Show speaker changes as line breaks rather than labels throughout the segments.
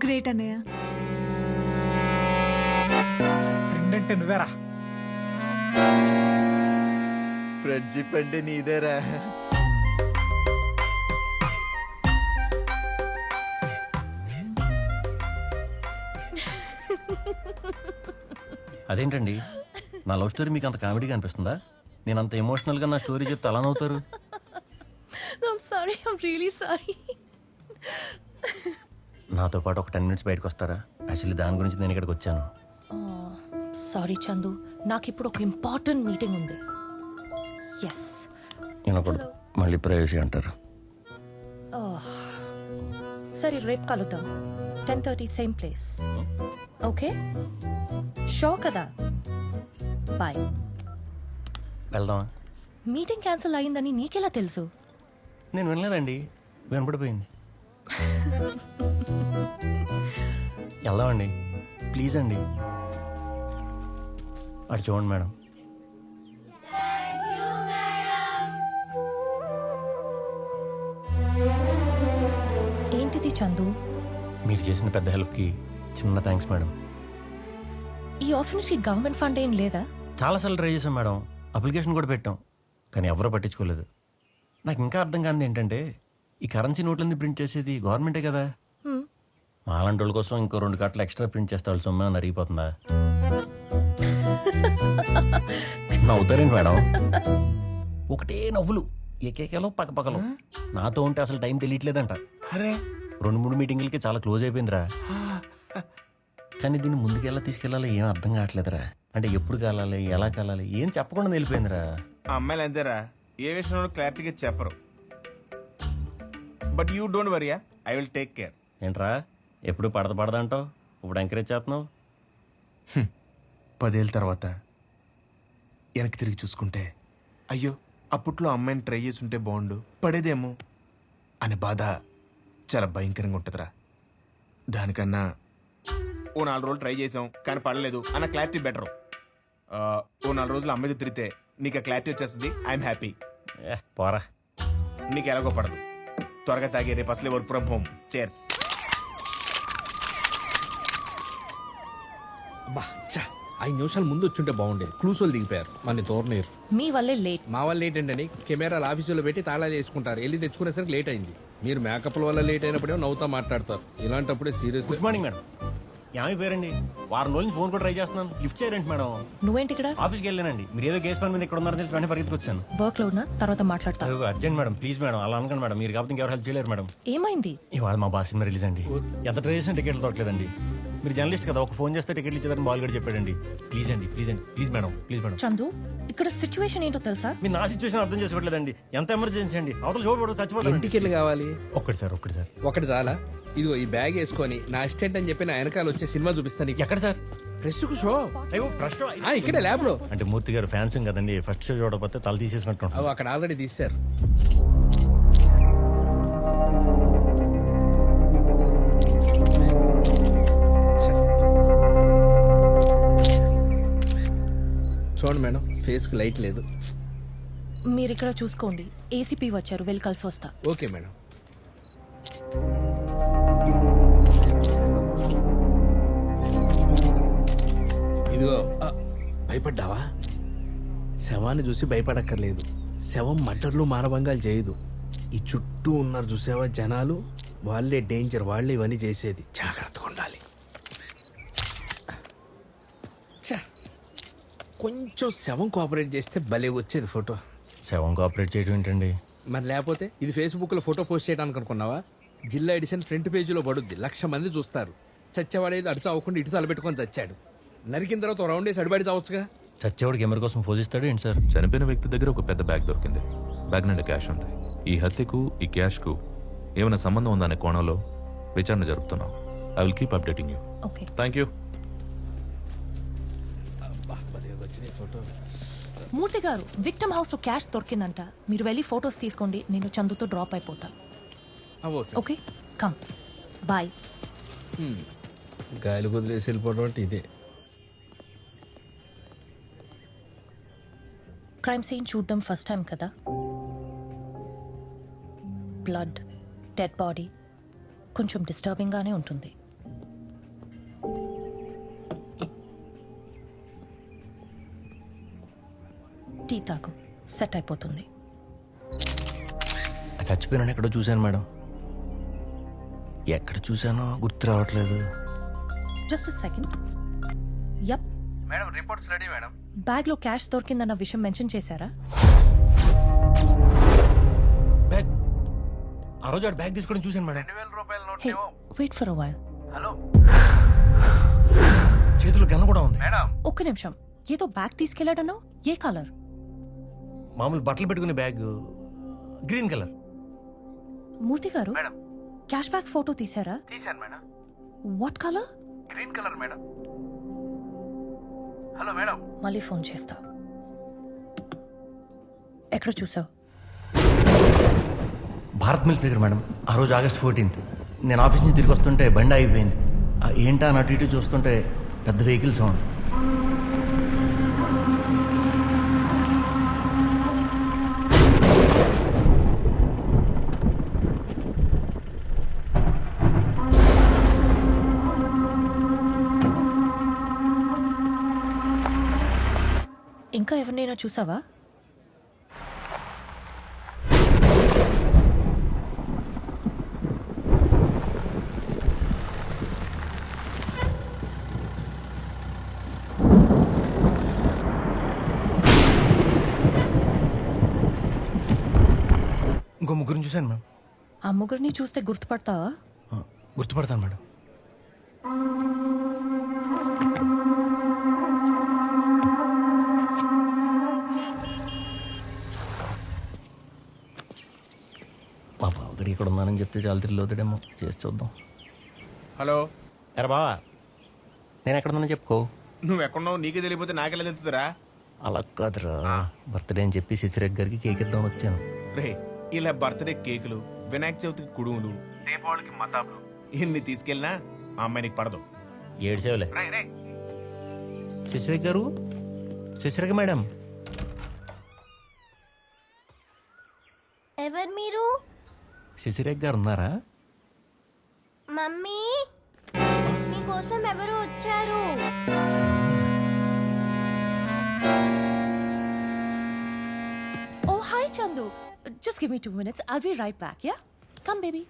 Great అన్నయ్య.
Friend అంటే నువ్వేరా.
ఫ్రెండ్షిప్ అంటే నీదేరా.
అదేంటండి, నా లవ్ స్టోరీ మీకు అంత కామెడీగా అనిపిస్తుందా? నేను అంత ఎమోషనల్గా నా స్టోరీ చెప్తే అలా నవ్వుతారు.
I'm sorry. I'm really sorry.
నాతో పాటు ఒక 10 minutes బయటకు వస్తారా? యాక్చువల్లీ దాని గురించి నేను ఇక్కడికి వచ్చాను.
సారీ చందు, నాకు ఇప్పుడు ఒక ఇంపార్టెంట్ మీటింగ్ ఉంది. ఎస్.
వినకూడదు, మళ్ళీ ప్రైవసీ అంటారు.
సరే, రేపు కలుద్దాం. 10:30 సేమ్ ప్లేస్. ఓకే, షో కదా. బాయ్.
వెళ్దామా?
మీటింగ్ క్యాన్సిల్ అయిందని నీకెలా తెలుసు?
నేను వినలేదండి, వినపడిపోయింది. వెళ్దామండి, ప్లీజ్ అండి. అటు చూడండి మేడం.
ఏంటిది చందు?
మీరు చేసిన పెద్ద హెల్ప్కి చిన్న థ్యాంక్స్ మేడం.
ఈ ఆఫీస్కి గవర్నమెంట్ ఫండ్ ఏం లేదా?
చాలాసార్లు ట్రై చేశాం మేడం, అప్లికేషన్ కూడా పెట్టాం, కానీ ఎవరూ పట్టించుకోలేదు. నాకు ఇంకా అర్థం కానిది ఏంటంటే, ఈ కరెన్సీ నోట్లన్నీ ప్రింట్ చేసేది గవర్నమెంటే కదా. మాలాంటి వాళ్ళ కోసం ఇంకో 2 కట్టలు ఎక్స్ట్రా ప్రింట్ చేస్తే వాళ్ళ సొమ్మే అరిగిపోతుందా? నవ్వుతారేంటి మేడం? ఒకటే నవ్వులు, ఏకేకలో పక్కపక్కలో. నాతో ఉంటే అసలు టైం తెలియట్లేదంట.
అరే
2-3 మీటింగులకి చాలా క్లోజ్ అయిపోయిందిరా. కానీ దీన్ని ముందుకెలా తీసుకెళ్ళాలో ఏం అర్థం కావట్లేదురా. అంటే ఎప్పుడు కాలాలి, ఎలా కాలాలి, ఏం చెప్పకుండా వెళ్ళిపోయిందిరా.
ఆ అమ్మాయిలు అంతేరా, ఏ విషయంలో క్లారిటీగా చెప్పరు. But you don't worry, I will take care.
ఏంట్రా ఎప్పుడు పడదంటావు, ఇప్పుడు ఎంకరేజ్ చేస్తున్నావు?
10 ఏళ్ళ తర్వాత వెనక్కి తిరిగి చూసుకుంటే, అయ్యో అప్పట్లో అమ్మాయిని ట్రై చేసి ఉంటే బాగుండు, పడేదేమో అనే బాధ చాలా భయంకరంగా ఉంటుందిరా. దానికన్నా ఓ 4 రోజులు ట్రై చేసాం కానీ పడలేదు అన్న క్లారిటీ బెటర్. ఓ 4 రోజులు అమ్మాయితో తిరిగితే నీకు ఆ క్లారిటీ వచ్చేస్తుంది. I'm happy.
పోరా,
నీకు ఎలాగో పడదు. త్వరగా తాగే, రేపు అసలే వర్క్ ఫ్రమ్ హోమ్. చేర్స్.
బా చా 5 నిమిషాలు ముందు వచ్చుంటే బాగుండేది. క్లూస్ వాళ్ళు దిగిపోయారు, మన తోరనీరు.
మీ వల్లే లేట్.
మా వాళ్ళు లేట్ ఏంటని కెమెరాలు ఆఫీసులో పెట్టి తాళాలు వేసుకుంటారు. వెళ్ళి తెచ్చుకునేసరికి లేట్ అయింది. మీరు మేకప్ల వల్ల లేట్ అయినప్పుడే నవ్వుతా మాట్లాడతారు. ఇలాంటప్పుడే సీరియస్.
Good morning madam. ఏమైపోయారండి? వారం రోజులు ఫోన్ కూడా ట్రై చేస్తున్నాను, లిఫ్ట్ చేయరండి మేడం.
నువ్వేంటి ఇక్కడ?
ఆఫీస్కి వెళ్ళానండి, మీరు ఏదో కేసు పని మీద ఇక్కడ ఉన్నారని తెలిసి వెంటనే పరిగెత్తుకు వచ్చాను.
వర్క్ లో ఉన్నా, తర్వాత మాట్లాడతా.
అర్జెంట్ మేడం, ప్లీజ్ మేడం, అలా అనకండి మేడం. మీరు కాబట్టి ఇంకెవరు హెల్ప్ చేయలేరు మేడం.
ఏమైంది?
ఇవాళ మా బాస్ సినిమా రిలీజ్ అండి. ఎంత ట్రై చేసిన టికెట్లు దొరకలేదండి. మీరు జర్నలిస్ట్ కదా, ఒక ఫోన్ చేస్తే టికెట్లు ఇచ్చేదని బాల్ గడి చెప్పాడండి. ప్లీజ్ అండి, ప్లీజ్ అండి, please madam, please madam.
Chandu, ఇక్కడ సిచ్యువేషన్ ఏంటో తెలుసా?
మీరు నా సిచ్యువేషన్ అర్థం చేసుకోవట్లేదండి. ఎంత ఎమర్జెన్సీ అండి, అవతల చూడబడు చచ్చిపోతాను.
టికెట్లు కావాలి?
ఒక్కటి సార్.
ఒకటి చాలా. ఇదిగో ఈ బ్యాగ్ వేసుకొని నా అసిస్టెంట్ అని చెప్పి నా వెనకాల వచ్చే సినిమా చూపిస్తాను.
ఎక్కడ సార్?
ప్రెస్ కు షో.
అయ్యో ఫస్ట్
ఇక్కడే ల్యాబ్ లో.
అంటే మూర్తి గారు ఫ్యాన్స్ కదండి, ఫస్ట్ షో చూడకపోతే తల తీసేసినట్టు.
అవి అక్కడ ఆల్రెడీ తీశారు. చూడండి మేడం, ఫేస్ కు లైట్ లేదు.
మీరు ఇక్కడ చూసుకోండి. ఏసీపీ వచ్చారు, వెళ్ళి కలిసి వస్తా.
Okay madam. ఇదిగో భయపడ్డావా? శవాన్ని చూసి భయపడక్కర్లేదు. శవం మటర్లు మానభంగాలు చేయదు. ఈ చుట్టూ ఉన్నారు చూసావా జనాలు, వాళ్ళే డేంజర్. వాళ్ళే ఇవన్నీ చేసేది. జాగ్రత్తగా ఉండాలి. కొంచెం శవం కోఆపరేట్ చేస్తే భలే వచ్చేది ఫోటో.
శవం కోఆపరేట్ చేయడం ఏంటండి?
మరి లేకపోతే ఇది ఫేస్బుక్ లో ఫోటో పోస్ట్ చేయడానికి అనుకున్నావా? జిల్లా ఎడిషన్ ఫ్రంట్ పేజీలో పడుద్ది. 1,00,000 మంది చూస్తారు. చచ్చేవాడేది అడుచు అవ్వకుండా ఇటు తలపెట్టుకొని చచ్చాడు. నరికిన తర్వాత రౌండ్ వేసి అడిబడి చావచ్చుగా.
చచ్చేవాడికి కెమెరా కోసం పోజిస్తాడు ఏంటి సార్?
చనిపోయిన వ్యక్తి దగ్గర ఒక పెద్ద బ్యాగ్ దొరికింది. బ్యాగ్ నుండి క్యాష్ ఉంది. ఈ హత్యకు ఈ క్యాష్ కు ఏమైనా సంబంధం ఉందనే కోణంలో విచారణ జరుపుతున్నాం. I will keep updating you.
Okay,
thank you.
Murthy garu, victim house లో క్యాష్ దొరికిందంట. మీరు వెళ్ళి ఫొటోస్ తీసుకోండి, నేను చందుతో డ్రాప్ అయిపోతా. Okay, come. బాయ్.
గాలి కుదిలేసి వెళ్ళిపోవడం అంటే ఇదే.
క్రైమ్ సీన్ చూడడం ఫస్ట్ టైం కదా. బ్లడ్, డెడ్ బాడీ కొంచెం డిస్టర్బింగ్ గానే ఉంటుంది. టీ తాగు, సెట్ అయిపోతుంది.
ఆ చచ్చిపోయిన ఎక్కడో చూశాను మేడం. ఎక్కడ చూశానో గుర్తు రావట్లేదు.
Just second. Yup.
Madam reports ready madam.
బ్యాగ్లో క్యాష్ దొరికిందన్న విషయం మెన్షన్ చేశారా?
బ్యాగ్ ఆ రోజు బ్యాగ్ తీసుకోవడం చూశాను మేడం.
2000 రూపాయల note
hey, wait for a while.
Hello
చేతిలో గన్న కూడా ఉంది.
మేడం.
ఒక్క నిమిషం. ఏదో బ్యాగ్ తీసుకెళ్లాడన్నావు, ఏ కలర్?
మామూలు బట్టలు పెట్టుకునే bag, green colour.
Murthy garu,
madam.
Cash bag photo తీశారా?
తీశాను madam.
What colour?
Green colour madam. Hello madam.
మళ్ళీ ఫోన్ చేస్తా. ఎక్కడ చూసావు?
భారత్ మిల్స్ దగ్గర మేడం. ఆ రోజు August 14th నేను ఆఫీస్ నుంచి తిరిగి వస్తుంటే బండి అయిపోయింది. ఏంటా అని అటు ఇటు చూస్తుంటే పెద్ద వెహికల్ సౌండ్.
ఇంకా ఎవరినైనా చూసావా?
ఇంకో ముగ్గురిని చూశాను మేడం.
ఆ ముగ్గురిని చూస్తే గుర్తుపడతావా?
గుర్తుపడతాను మేడం. మా బావగడి ఇక్కడ ఉన్నానని చెప్తే చాలా థ్రిల్ అవుతాడేమో. చేసి చూద్దాం.
హలో.
ఎరా బావా, నేను ఎక్కడ ఉన్నానో చెప్పుకో.
నువ్వు ఎక్కడున్నావు నీకే తెలియపోతే నాకెలా తెలుస్తుందిరా?
అలా కాదురా, బర్త్డే అని చెప్పి శశిరేఖ్ గారికి కేక్ ఇద్దామని వచ్చాను.
రే, ఇలా బర్త్డే కేకులు, వినాయక చవితికి కుడుములు, దీపావళికి మతాబులు ఇన్ని తీసుకెళ్ళినా ఆ అమ్మాయి నీకు పడదు.
ఏడ్చేవలే. శశిరేఖ్ గారు, శశిరేఖ మేడం.
ఎవరు మీరు?
శశిరేఖ్ గారు ఉన్నారా?
మమ్మీ, మీకోసం ఎవరు వచ్చారు?
Oh, hi, Chandu. Just give me 2 minutes. I'll be right back, yeah? Come, baby.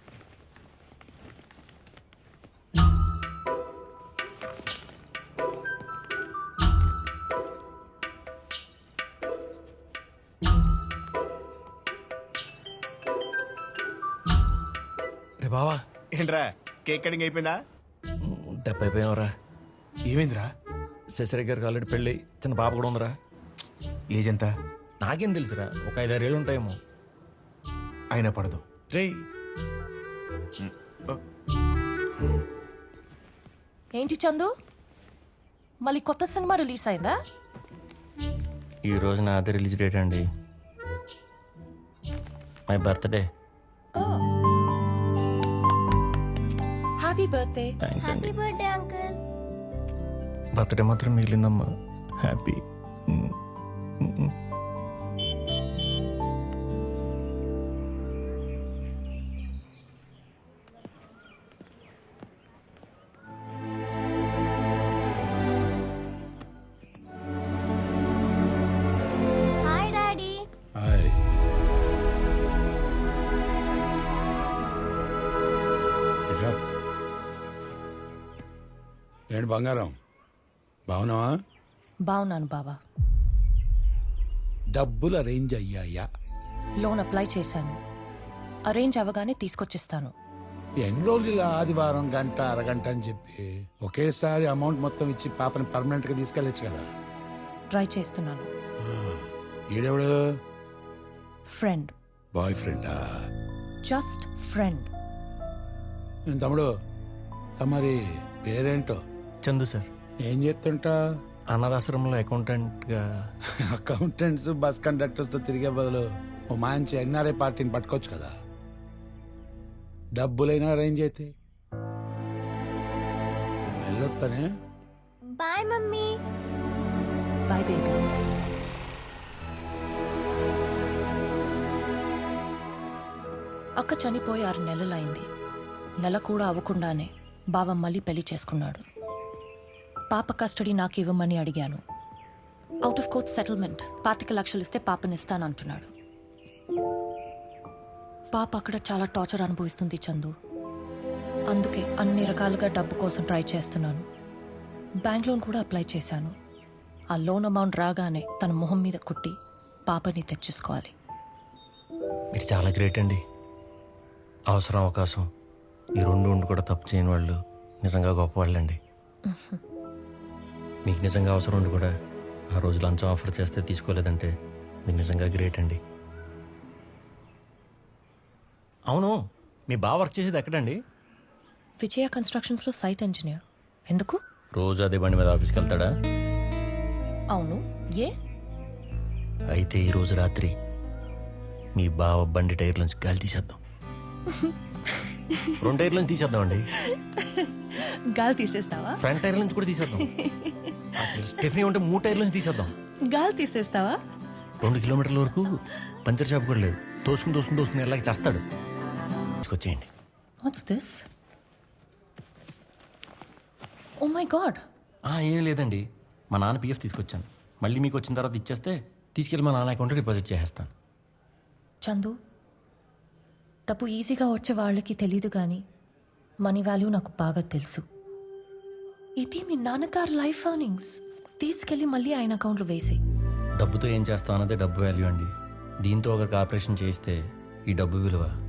రే బావా,
ఏంట్రా కేక్ కటింగ్ అయిపోయిందా?
దెబ్బ అయిపోయావరా.
ఏమైందిరా?
శశిరేఖ్ గారికి ఆల్రెడీ పెళ్ళి, చిన్న పాప కూడా ఉందిరా.
ఏజ్ ఎంత?
నాకేం తెలుసురా, ఒక 5-6 ఏళ్ళు ఉంటాయేమో.
అయినా పడదు.
రే,
ఏంటి చందు, మళ్ళీ కొత్త సినిమా రిలీజ్ అయిందా?
ఈ రోజు నా అదే రిలీజ్ డేట్ అండి. My birthday.
Happy birthday.
Thanks అండి.
Happy birthday uncle.
బర్త్డే మాత్రం మిగిలిందమ్మా. హ్యాపీ.
Hi daddy.
హాయ్. ఇట్రా. ఏంటి బంగారం, బాగున్నావా?
బాగున్నాను బావా.
డబ్బులు అరేంజ్ అయ్యాయా?
లోన్ అప్లై చేశాను. అరేంజ్ అవ్వగానే తీసుకొచ్చిస్తాను.
ఎన్ని రోజులు ఇలా ఆదివారం గంట అరగంట అని చెప్పి ఒకేసారి అమౌంట్ మొత్తం ఇచ్చి పాపని పర్మనెంట్ గా తీసుకెళ్ళచ్చు కదా.
ట్రై చేస్తున్నాను.
ఈడెవడు?
ఫ్రెండ్.
బాయ్ ఫ్రెండా?
Just friend.
ఏం తమ్ముడు, తమరి పేరేంటో?
చందు సార్.
ఏం చేస్తుంటా?
అనాథాశ్రమంలో అకౌంటెంట్గా.
అకౌంటెంట్స్ బస్ కండక్టర్స్ తో తిరిగే బదులు ఓ మంచి ఎన్ఆర్ఐ పార్టీని పట్టుకోవచ్చు కదా. డబ్బులైనా అరేంజ్ అయితే వెళ్ళొస్తానే.
Bye mummy.
Bye baby. అక్క చనిపోయి 6 నెలలైంది. నెల కూడా అవ్వకుండానే బావ మళ్ళీ పెళ్లి చేసుకున్నాడు. పాప కస్టడీ నాకు ఇవ్వమని అడిగాను. అవుట్ ఆఫ్ కోర్ట్ సెటిల్మెంట్ 25 లక్షలు ఇస్తే పాపనిస్తానంటున్నాడు. పాప అక్కడ చాలా టార్చర్ అనుభవిస్తుంది చందు. అందుకే అన్ని రకాలుగా డబ్బు కోసం ట్రై చేస్తున్నాను. బ్యాంక్ లోన్ కూడా అప్లై చేశాను. ఆ లోన్ అమౌంట్ రాగానే తన మొహం మీద కొట్టి పాపని తెచ్చేసుకోవాలి.
మీరు చాలా గ్రేట్ అండి. అవసరం అవకాశం ఈ రెండు ఉండి కూడా తప్పు చేయని వాళ్ళు నిజంగా గొప్పవాళ్ళండి. మీకు నిజంగా అవసరం ఉండి కూడా ఆ రోజు లంచం ఆఫర్ చేస్తే తీసుకోలేదంటే మీరు నిజంగా గ్రేట్ అండి. అవును, మీ బావ వర్క్ చేసేది ఎక్కడండి?
విజయ కన్స్ట్రక్షన్స్లో సైట్ ఇంజనీర్. ఎందుకు?
రోజు అదే బండి మీద ఆఫీస్కి వెళ్తాడా?
అవును. ఏ?
అయితే ఈరోజు రాత్రి మీ బావ బండి టైర్ నుంచి గాలి తీసేద్దాం. 2 టైర్ల నుంచి తీసేద్దామండి.
గాలి తీసేస్తావా?
ఫ్రంట్ టైర్ నుంచి కూడా తీసేద్దాం. అసలు స్టెఫనీ ఉంటే 3 టైర్ల నుంచి తీసేద్దాం.
గాలి తీసేస్తావా?
2 కిలోమీటర్ల వరకు పంచర్ షాప్ కూడా లేదు. తోసుకుని ఎలాగ చేస్తాడు. తీసుకొచ్చేయండి.
What's this? Oh my god.
ఏం లేదండి, మా నాన్న పిఎఫ్ తీసుకొచ్చాను. మళ్ళీ మీకు వచ్చిన తర్వాత ఇచ్చేస్తే తీసుకెళ్ళి మా నాన్న అకౌంట్లో డిపాజిట్ చేసేస్తాను.
చందు, డబ్బు ఈజీగా వచ్చే వాళ్ళకి తెలీదు కానీ మనీ వాల్యూ నాకు బాగా తెలుసు. ఇది మీ నాన్నగారు లైఫ్ ఎర్నింగ్స్. తీసుకెళ్ళి మళ్ళీ ఆయన అకౌంట్లో వేసేయి.
డబ్బుతో ఏం చేస్తాం అన్నదే డబ్బు వాల్యూ అండి. దీంతో ఒకరికి ఆపరేషన్ చేయిస్తే ఈ డబ్బు విలువ